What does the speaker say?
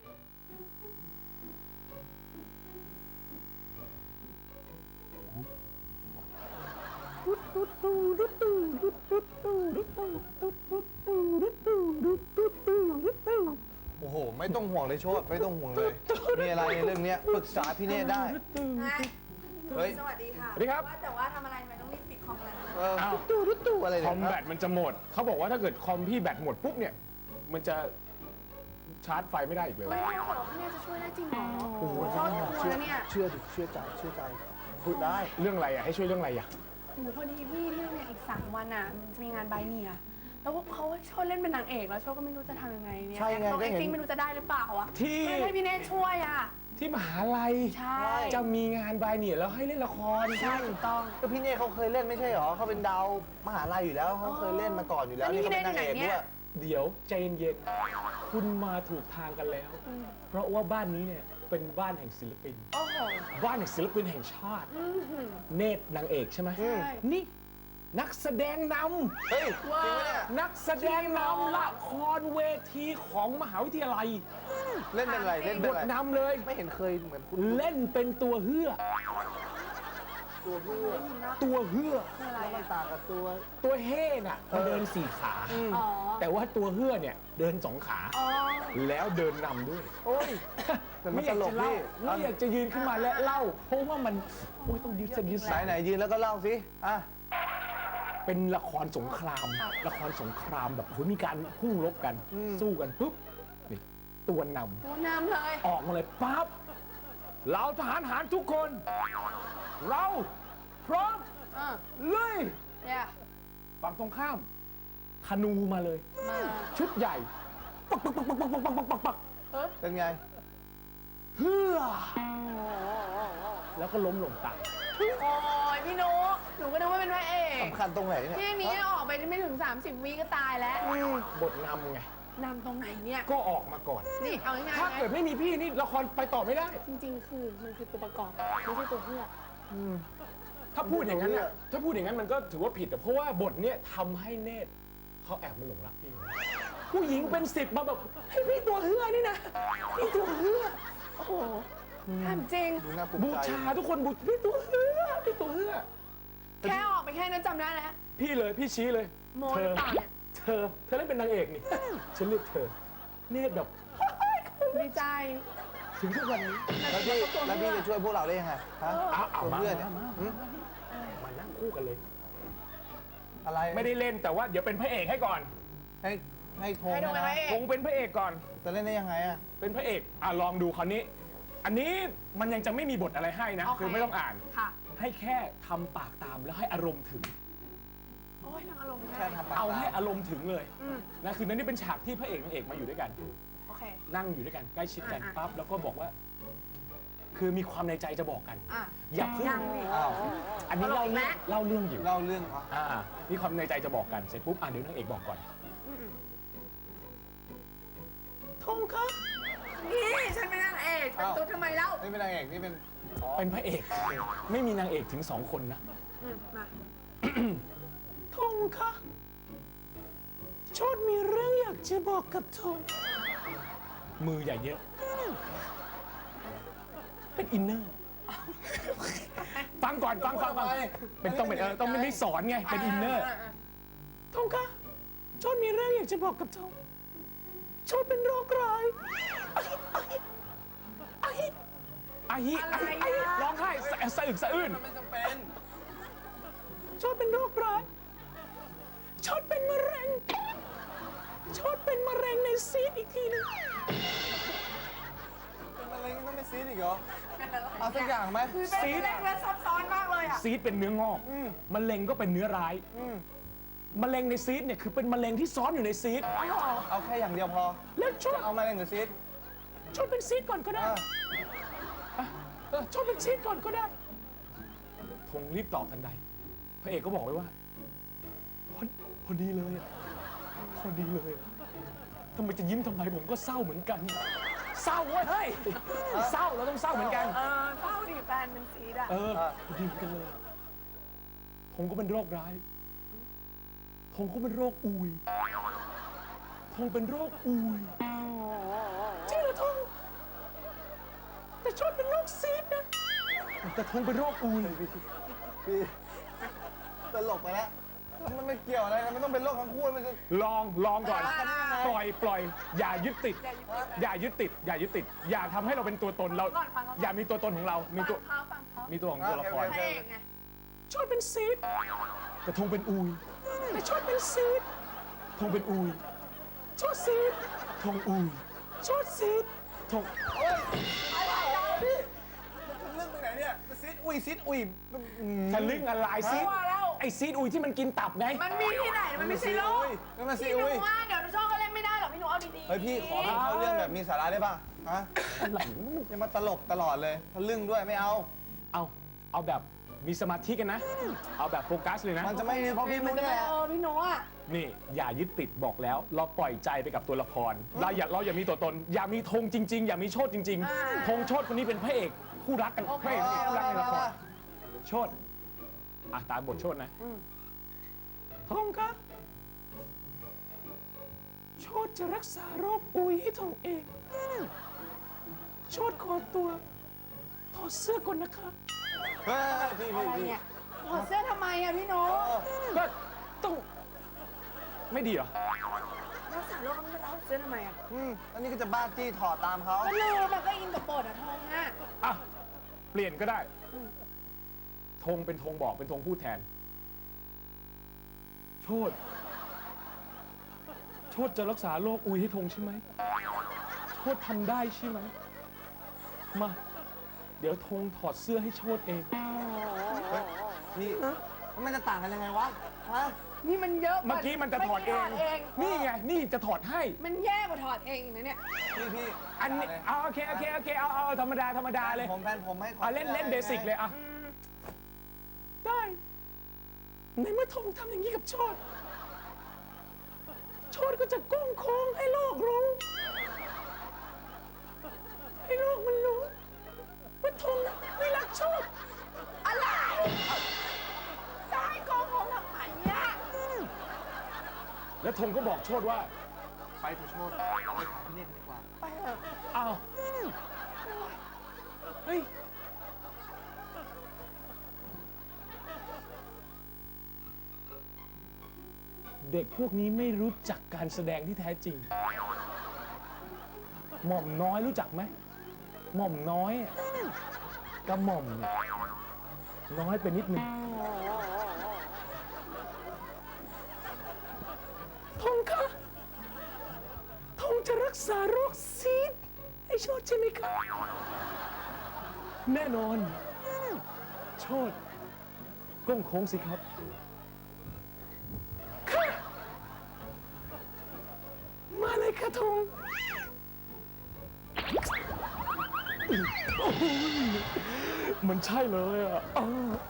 โอ้โหไม่ต้องห่วงเลยโชติไม่ต้องห่วงเลยมีอะไรในเรื่องนี้ปรึกษาพี่เนตรได้เฮ้ยสวัสดีค่ะสวัสดีครับว่าแต่ว่าทำอะไรทำไมต้องรีบปิดคอมกันตู้อะไรคเนี่ยอมแบตมันจะหมด เขาบอกว่าถ้าเกิดคอมพี่แบตหมดปุ๊บเนี่ย มันจะชาร์จไฟไม่ได้อีกเลยไม่ได้บอกว่าพี่เนยจะช่วยได้จริงเหรอโอ้โหโคตรกลัวเนี่ยเชื่อดิเชื่อใจพูดได้เรื่องอะไรอ่ะ ให้ช่วยเรื่องอะไรอ่ะโอ้โหพอดีพี่เรื่องเนี่ยอีก3 วันอ่ะมันจะมีงานใบเนียแล้วเขาโชว์เล่นเป็นนางเอกแล้วโชว์ก็ไม่รู้จะทำยังไงเนี่ยใช่ไงต้องก็แอคเห็นติ้งไม่รู้จะได้หรือเปล่าอ่ะที่ไม่ให้พี่เนยช่วยอ่ะที่มหาลัยใช่จะมีงานบายเนี่ยแล้วให้เล่นละครใช่ถูกต้องก็พี่เนตรเขาเคยเล่นไม่ใช่หรอเขาเป็นดาวมหาลัยอยู่แล้วเขาเคยเล่นมาก่อนอยู่แล้วนี่เขาเป็นนางเอกด้วยเดี๋ยวใจเย็นๆคุณมาถูกทางกันแล้ว เพราะว่าบ้านนี้เนี่ยเป็นบ้านแห่งศิลปินโอ้โหบ้านแห่งศิลปินแห่งชาติ เนตรนางเอกใช่ไหมใช่นี่นักแสดงนเฮ้ยจริงไหมเนี่ยำนักแสดงนำละครเวทีของมหาวิทยาลัยเล่นเป็นอะไรเล่นบเป็นทอะไรนำเลยไม่เห็นเคยเหมือนคุณเล่นเป็นตัวเฮือตัวเพื่อตัวเฮือคืออะไรแล้วมันอ่ะต่างกับตัวตัวเฮ่น่ะมันเดิน4 ขาอ๋อแต่ว่าตัวเฮือเนี่ยเดิน2 ขาอ๋อแล้วเดินนำด้วยโอ้ยแต่มันไม่อยากตลจะกเล่าพี่ไม่อยากจะยืนขึ้นมาและเล่า เพราะว่ามันโอ้ยต้องยืดเส้นยืดไหนสายไหนยืนแล้วก็เล่าสิอ่ะเป็นละครสงคราม ละครสงครามแบบโหมีการพุ่งรบกัน สู้กันปุ๊บนี่ตัวนำตัวนำเลยออกมาเลยปั๊บเราทหารหารทุกคน เราพร้อมอ่ะเลยเนี่ยฝั่งตรงข้ามธนูมาเลยมาชุดใหญ่ปักปักปักปักปักปักปักปักปักเป็นไงเฮือแล้วก็ล้มลงตายโอ้ยพี่นุ๊กหนูก็นึกว่าเป็นพระเอกสำคัญตรงไหนเนี่ยที่นี้ออกไปไม่ถึง30 วิก็ตายแล้วบทนำไงนำตรงไหนเนี่ยก็ออกมาก่อนนี่เอาง่ายถ้าเกิดไม่มีพี่นี่ละครไปต่อไม่ได้ๆจริงๆ คือมันคือตัวประกอบไม่ใช่ตัวเพื่อกถ้าพูดอย่างนั้นน่ะถ้าพูดอย่างนั้นมันก็ถือว่าผิดอะเพราะว่าบทเนี้ยทำให้เนตรเขาแอบมาหลงรักพี่ ผู้หญิงเป็น10มาแบบให้พี่ตัวเฮือนี่นะพี่ตัวเฮือโอ้โหถามจริงดูน่าภูมิบูใจชาทุกคนบูพี่ตัวเฮือพี่ตัวเฮือแค่ออกไปแค่นั้นจำได้แล้วพี่เลยพี่ชี้เลยโมหรือเปล่าเนี่ยเธอเล่นเป็นนางเอกนี่ ฉันเลือกเธอ เนตรแบบดีใจถึงทุกวันนี้แล้วพี่จะช่วยพวกเราได้ยังไงฮะเอาตัวมาเพื่อนเนี่ยมานั่งคู่กันเลยอะไรไม่ได้เล่นแต่ว่าเดี๋ยวเป็นพระเอกให้ก่อนให้โทรให้โทรนะไปคงเป็นพระเอกก่อนจะเล่นได้ยังไงอ่ะเป็นพระเอกลองดูคราวนี้ อันนี้มันยังจะไม่มีบทอะไรให้นะโอเคคือไม่ต้องอ่านค่ะให้แค่ทำปากตามแล้วให้อารมณ์ถึงโอ้ยนางอารมณ์แค่ได้ทำปากเอาให้ตามอารมณ์ถึงเลยอืมนะคือนั่นนี่เป็นฉากที่พระเอกนางเอกมาอยู่ด้วยกันโอเคนั่งอยู่ด้วยกันใกล้ชิดกันอ่ะปั๊บแล้วก็บอกว่า คือมีความในใจจะบอกกันอ่ะอย่าเพิ่งยังนี่อ้าวอันนี้ตลกไหมเล่าเรื่องอยู่เล่าเรื่องเขามีความในใจจะบอกกันเสร็จปุ๊บเดี๋ยวนางเอกบอกก่อนอืมทงครับนี่ฉันเป็นนางเอกเป็นตุ๊ดทำไมเล่านี่เป็นนางเอกนี่เป็นอ๋อเป็นพระเอก ไม่มีนางเอกถึง2 คนนะมาทงคะโชดมีเรื่องอยากจะบอกกับทงมืออย่าเยอะ เป็นอินเนอร์ ฟังก่อนฟังเป็นต้องไม่ได้สอนไง เป็นอินเนอร์ทงคะโชดมีเรื่องอยากจะบอกกับทงโชดเป็นโรคร้ายอาฮิร้องไห้สะอึกสะอื้นไม่จำเป็นชดเป็นโรคร้ายชดเป็นมะเร็งชดเป็นมะเร็งในซีดอีกทีนึงเป็นอะไรก็ต้องไปซีดอีกเหรอเอาสักอย่างไหมคือเป็นเรื่องและซับซ้อนมากเลยอ่ะซีดเป็นเนื้องอกมะเร็งก็เป็นเนื้อร้ายมะเร็งในซีดเนี่ยคือเป็นมะเร็งที่ซ้อนอยู่ในซีดเอาแค่อย่างเดียวพอแล้วชดเอามาเล่นกับซีดชดเป็นซีดก่อนก็ได้ ชดเป็นซีดก่อนก็ได้ธงรีบตอบทันใดพระเอกก็บอกไว้ว่าพอดีเลยอะพอดีเลยอะทำไมจะยิ้มทำไมผมก็เศร้าเหมือนกัน เศร้าเว้ยเฮ้ยเศร้าเราต้องเศร้าเหมือนกันเศร้าดิแฟนเป็นซีดอ่ะพอดีกันเลยผมก็เป็นโรคร้ายผมก็เป็นโรคอุยผมเป็นโรคอุยจริงเหรอทงแต่โชดเป็นโรคซีดนะแต่ธงเป็นโรคอุยพี่ตลกไปแล้วมันไม่เกี่ยวอะไรนะมันต้องเป็นโรคทั้งคู่มันจะลองก่อนกันได้ยังไงปล่อย อย่ายึดติด อย่ายึดติด อย่าทำให้เราเป็นตัวตนเราก่อนฟังเขาอย่ามีตัวตนของเรา มีตัวฟังเขามีตัวของตัวละครพระเอกไงโชดเป็นซีดแต่ธงเป็นอุยแต่โชดเป็นซีดธงเป็นอุยโชดซีดธงอุยโชดซีดธงโอ๊ยพี่มันเรื่องไปไหนเนี่ยซิดอุ้ยทะลึ่งอะไรซีดว่าแล้วไอซีดอุยที่มันกินตับไงมันมีที่ไหน มันไม่ใช่โลกมันมาซีพี่หนูอุ้ยว่าเดี๋ยวโชคก็เล่นไม่ได้หรอกพี่หนูเอาดีๆเฮ้ยพี่ขอเป็นเขาเรื่องแบบมีสาระได้ป่ะฮะอย่ามาตลกตลอดเลยทะลึ่งด้วยไม่เอาเอาแบบมีสมาธิกันนะ เอาแบบโฟกัสเลยนะมันจะไม่เพราะพี่มัมุนกจะนี่ไม่แหละพี่หนูอ่ะนี่อย่ายึดติดบอกแล้ว เราปล่อยใจไปกับตัวละครเราอย่ามีตัวตน อย่ามีธงจริง ๆ อย่ามีโชดจริง ๆ ธงโชดคนนี้เป็นพระเอกคู่รักกันพระเอกคู่รักในละครโชดตามบทโชดนะธงคะโชดจะรักษาโรคอุยให้ธงเองโชดขอตัวถอดเสื้อก่อนนะคะเฮ้ยพี่อะไรเนี่ยถอดเสื้อทำไมอ่ะพี่หนูก็ต้องไม่ดีเหรอรักษาโรคไม่รักเสื้อทำไมอ่ะอันนี้ก็จะบ้าจี้ถอดตามเขาก็ลืมมันก็อินกับบทอ่ะทองอ่ะอ่ะ เปลี่ยนก็ได้ ธงเป็นธงบอกเป็นธงพูดแทน โชดจะรักษาโรคอุยให้ธงใช่ไหม โชดทำได้ใช่ไหม มา เดี๋ยวธงถอดเสื้อให้โชดเองพี่มันจะต่างกันยังไงวะฮะนี่มันเยอะเมื่อกี้มันจะถอดเอง นี่ไง นี่จะถอดให้มันแย่กว่าถอดเองอีกนะเนี่ยพี่อันนี้เอาโอเค เอาธรรมดาเลยผมแฟนผมให้เล่นเบสิกเลยอ่ะ ได้ ในเมื่อธงทำอย่างนี้กับโชดก็จะก้งโค้งให้โลกรู้ ให้โลกมันรู้ว่าธงไม่รักโชดอะไรจะให้โกงผมทำไมเนี่ยแล้วธงก็บอกโชดว่าไปเถอะโชดไปถามพี่เนตรดีกว่าไปเถอะอ้าว เฮ้ย เด็กพวกนี้ไม่รู้จักการแสดงที่แท้จริง หม่อมน้อยรู้จักไหม หม่อมน้อยอะกับหม่อมเนี่ยน้อยไปนิดนึงธงคะธงจะรักษาโรคซีดให้โชดใช่ไหมคะแน่นอน โชดก้งโค้งสิครับค่ะมาเลยค่ะธงโอ้ยมันใช่เลยอ่ะ